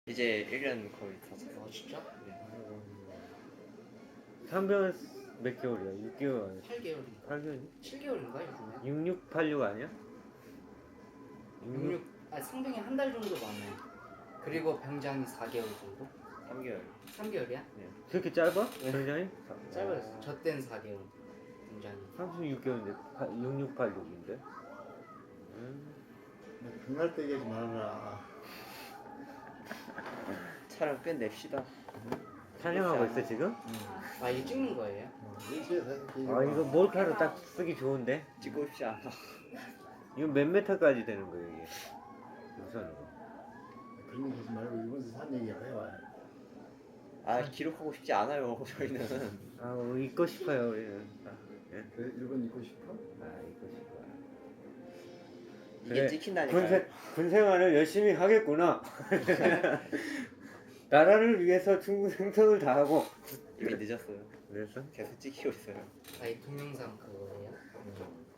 이제 1년 거의 다 아 진짜? 네. 상병은 몇 개월이야? 6개월 아니야? 8개월인가? 8개월이? 7개월인가 요즘에? 6686 아니야? 66, 아 상병이 한 달 정도 많아요. 그리고 병장이 4개월 정도? 3개월. 3개월이야? 네. 그렇게 짧아? 네. 굉장히? 짧았어. 저 땐 4개월. 병장이. 36개월인데 6686인데? 그날 때 얘기하지 말아라. 차를 끝냅시다. 촬영하고 있어 지금? 아 이게 찍는 거예요? 일시에 사진 찍지 아 이거 몰카로 딱 쓰기 좋은데? 찍고 싶지 않아. 이거 몇 메타까지 되는 거예요 이게? 우선으로. 그런 얘기 하지 말고 일본에서 산 얘기 해봐. 아 기록하고 싶지 않아요. 저희는. 아 잊고 싶어요 우리는. 예? 그래 일본 있고 싶어? 아 잊고 싶어. 이게 찍힌다니까요. 군생활을 열심히 하겠구나. 나라를 위해서 충분 생성을 다하고. 이미 늦었어요. 그래서? 계속 찍히고 있어요. 아 이 동영상 그거예요?